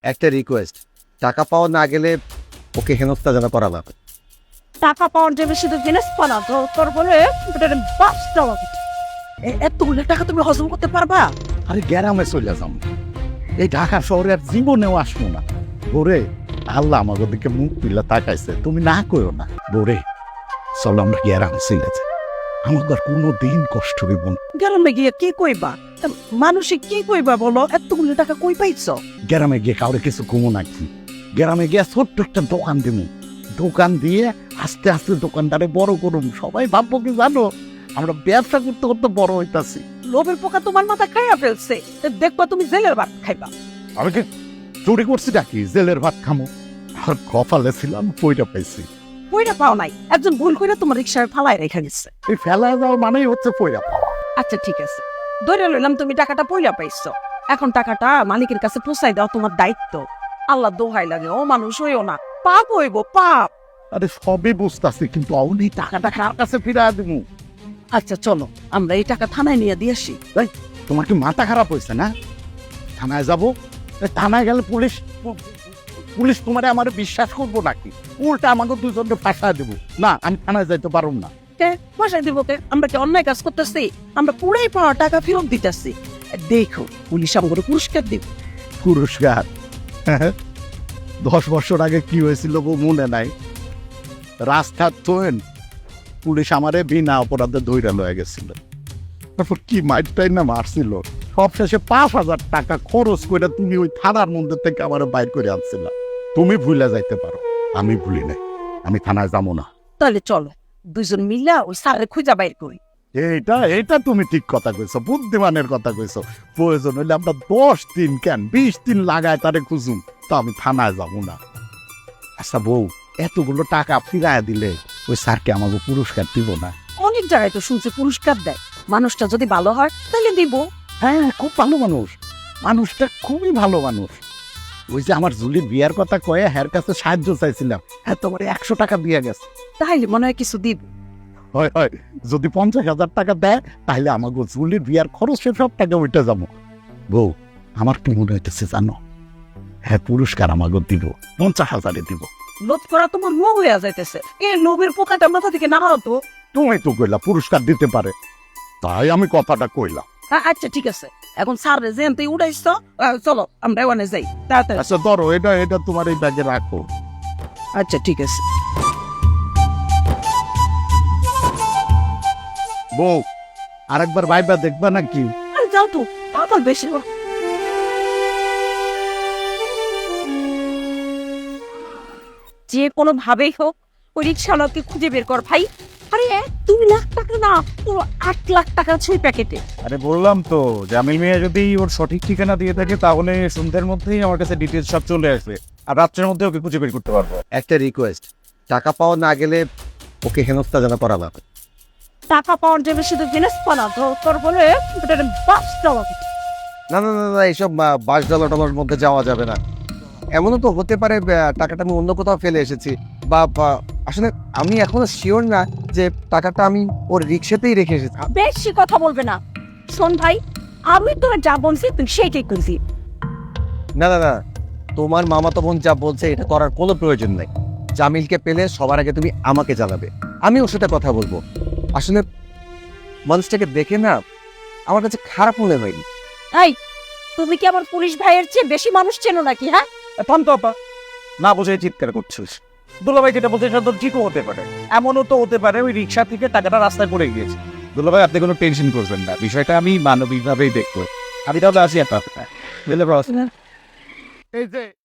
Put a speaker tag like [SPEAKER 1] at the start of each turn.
[SPEAKER 1] একটা রিকোয়েস্ট, টাকা পাওয়া না গেলে ওকে হেনস্থা যেন করা না হয়।
[SPEAKER 2] টাকা পাওয়ার জন্য শুধু জিনিস পালা তো তোর বলে বাস দেওয়া এতগুলো টাকা তুমি হজম করতে পারবা?
[SPEAKER 3] আরে গ্রামে চলে যাম, এই ঢাকা শহরে আর জীবনেও আসবো না। বোরে, আল্লাহ আমাদের দিকে মুখ তুলে তাকাইছে, তুমি না করো না। বোরে, চলো আমরা গ্রামে চলে যাই, আমাদের কোনো দিন কষ্ট হইব না।
[SPEAKER 2] গ্রামে গিয়ে কি কইবা? মানুষে কি কইবা বলো? এতগুলো টাকা কই পাইছ?
[SPEAKER 3] গ্রামে গিয়ে কাউরে কিছু কমো নাকি? গ্রামে গিয়ে ছোট্ট একটা দোকান দিব, দোকান দিয়ে আস্তে আস্তে দোকানটারে বড় করুম। সবাই ভাববো কি জানো, আমরা ব্যবসা করতে করতে বড় হইতাছি।
[SPEAKER 2] লোভের পোকা তোমার মাথা খাইয়া ফেলছে, দেখবা তুমি জেলের ভাত খাইবা।
[SPEAKER 3] আমি কি চুরি করছি নাকি জেলের ভাত খামো? আর কপালে ছিলাম পয়টা পাইছি।
[SPEAKER 2] পয়রা পাও নাই, একজন ভুল করে তোমার রিক্সায় ফালায় রেখে গেছে।
[SPEAKER 3] এই ফেলা যাওয়া মানেই হচ্ছে পয়টা পাওয়া।
[SPEAKER 2] আচ্ছা ঠিক আছে, ধরে লইলাম তুমি টাকাটা পয়রা পাইছো। এখন টাকাটা মালিকের কাছে পৌঁছাই দাও, তোমার দায়িত্ব। আল্লাহ দোহাই লাগে, ও মানুষ হইও না, পাপ হইব পাপ।
[SPEAKER 3] আরে সবই বুঝতেছি, কিন্তু অনেক টাকাটা কার কাছে ফিরা দিব?
[SPEAKER 2] আচ্ছা চলো আমরা এই টাকা থানায় নিয়ে দিয়ে আসি।
[SPEAKER 3] তোমার কি মাথা খারাপ হয়েছে না? থানায় যাবো, থানায় গেলে পুলিশ পুলিশ তোমারে আমার বিশ্বাস করবো নাকি? উল্টা আমাকে দুজনকে ফাঁসা দেবো। না, আমি থানায় যাইতে পারবো না।
[SPEAKER 2] কে পয়সায় দিব? কে? আমরা কি অন্যায় কাজ করতেছি? আমরা পুরাই পাওয়া টাকা ফেরত দিতেছি। দেখো পুলিশ আমাকে পুরস্কার দিব।
[SPEAKER 3] পুরস্কার? 10 বছর আগে কি হয়েছিল গো মনে নাই? রাস্তার তোয়েন পুলিশ আমারে বিনা অপরাধে ধইরা লয়ে গেছিল, তারপর কি মাইরটাই না মারছিল। সব শেষে 5,000 টাকা খরচ করে তুমি ওই থানার মধ্যে থেকে আমার বাইর করে আনছিল। তুমি ভুলে যাইতে পারো, আমি ভুলি নাই। আমি থানায় যাবো না।
[SPEAKER 2] তাহলে চলো দুইজন মিলা ওই স্যারের খুঁজা বাইর করি।
[SPEAKER 3] এইটা তুমি ঠিক কথা কইছো, বুদ্ধিমানের কথা কইছো। প্রয়োজন হইলে আমরা 10 দিন কেন 20 দিন লাগায় তারে খুঁজুম, তা আমি থানায় যাবো না। আচ্ছা বউ, এতগুলো টাকা ফিরায় দিলে ওই স্যারকে আমাকে পুরস্কার দিব না?
[SPEAKER 2] অনেক জায়গায় তো শুনছি পুরস্কার দেয়, মানুষটা যদি ভালো হয় তাহলে দিব।
[SPEAKER 3] হ্যাঁ, খুব ভালো মানুষ, মানুষটা খুবই ভালো মানুষ। ওই যে আমার জুলির বিয়ার কথা কয়ে হ্যার কাছে সাহায্য চাইছিলাম, হ্যাঁ তোমার 100 টাকা দিয়ে গেছে।
[SPEAKER 2] তাহলে মনে হয় কিছু দিব।
[SPEAKER 3] হয় হয়, যদি 50,000 টাকা দেয় তাহলে আমাকে জুলির বিয়ার খরচের সব টাকা উঠে যাবো। বউ, আমার কি মনে হইতেছে জানো, হ্যাঁ পুরস্কার আমাকে দিব, 50,000 দিব।
[SPEAKER 2] লোভ করা তোমার লোভ হইয়া যাইতেছে। এই লোভের পোকাটা মাথা থেকে নামাও তো।
[SPEAKER 3] তুমি তো কইলা পুরস্কার দিতে পারে, তাই আমি কথাটা কইলাম।
[SPEAKER 2] আচ্ছা ঠিক আছে, এখন স্যার যেন তুই উঠাইছ, চলো আমরা ওখানে যাই তাড়াতাড়ি।
[SPEAKER 3] আচ্ছা ধরো, এটা তোমার এই ব্যাগে রাখো।
[SPEAKER 2] আচ্ছা ঠিক আছে।
[SPEAKER 3] বউ, আরেকবার ভাইবা দেখবা নাকি?
[SPEAKER 2] আরে যাও তো, আমার বেশি যে কোনো ভাবেই হোক ওই রিক্সাওয়ালাকে খুঁজে বের কর ভাই। আরে 2 লাখ টাকা না, পুরো 8 লাখ টাকা ছুঁই প্যাকেটে।
[SPEAKER 4] আরে বললাম তো, জামিল মিয়া যদি ওর সঠিক ঠিকানা দিয়ে থাকে তাহলে সন্ধ্যের মধ্যেই আমার কাছে ডিটেলস সব চলে আসবে, আর রাত্রের মধ্যে ওকে খুঁজে বের করতে পারবো।
[SPEAKER 1] একটা রিকোয়েস্ট, টাকা পাওয়া না গেলে ওকে হেনস্থা যেন করা না হয়।
[SPEAKER 2] টাকা পাওয়ার জন্য শুধু জিনিস পালা তো তোর বলে বাস দেওয়া।
[SPEAKER 1] না না না না, এইসব $5 মধ্যে যাওয়া যাবে না। এমনও তো হতে পারে টাকাটা আমি অন্য কোথাও ফেলে এসেছি, বা আসলে আমি এখনো শিওর না যে টাকাটা আমি ওর রিক্সাতেই রেখে এসেছি।
[SPEAKER 2] বেশি কথা বলবে না। শোন ভাই, আমি তোরা যা বলছি তুই সেইটাই করছি।
[SPEAKER 1] না না না, তোমার মামাতো বোন যা বলছে এটা করার কোনো প্রয়োজন নেই। জামিলকে পেলে সবার আগে তুমি আমাকে জানাবে, আমি ওর সাথে কথা বলবো। আসলে মানুষটাকে দেখে না আমার কাছে খারাপ মনে হয়নি।
[SPEAKER 2] এই তুমি কি আমার পুলিশ ভাইয়ের চেয়ে বেশি মানুষ চেনো নাকি? হ্যাঁ
[SPEAKER 4] থাম তো আপা, না বুঝে চিৎকার করছিস। দুলাভাই যেটা বলছে সেটা তো ঠিকও হতে পারে, এমনও তো হতে পারে ওই রিক্সা থেকে টাকাটা রাস্তায় পড়ে গিয়েছে। দুলাভাই আপনি কোনো টেনশন করবেন না, বিষয়টা আমি মানবিকভাবেই দেখবো। আমি তাহলে আসি একটা
[SPEAKER 1] বুঝলে বস?
[SPEAKER 3] এই যে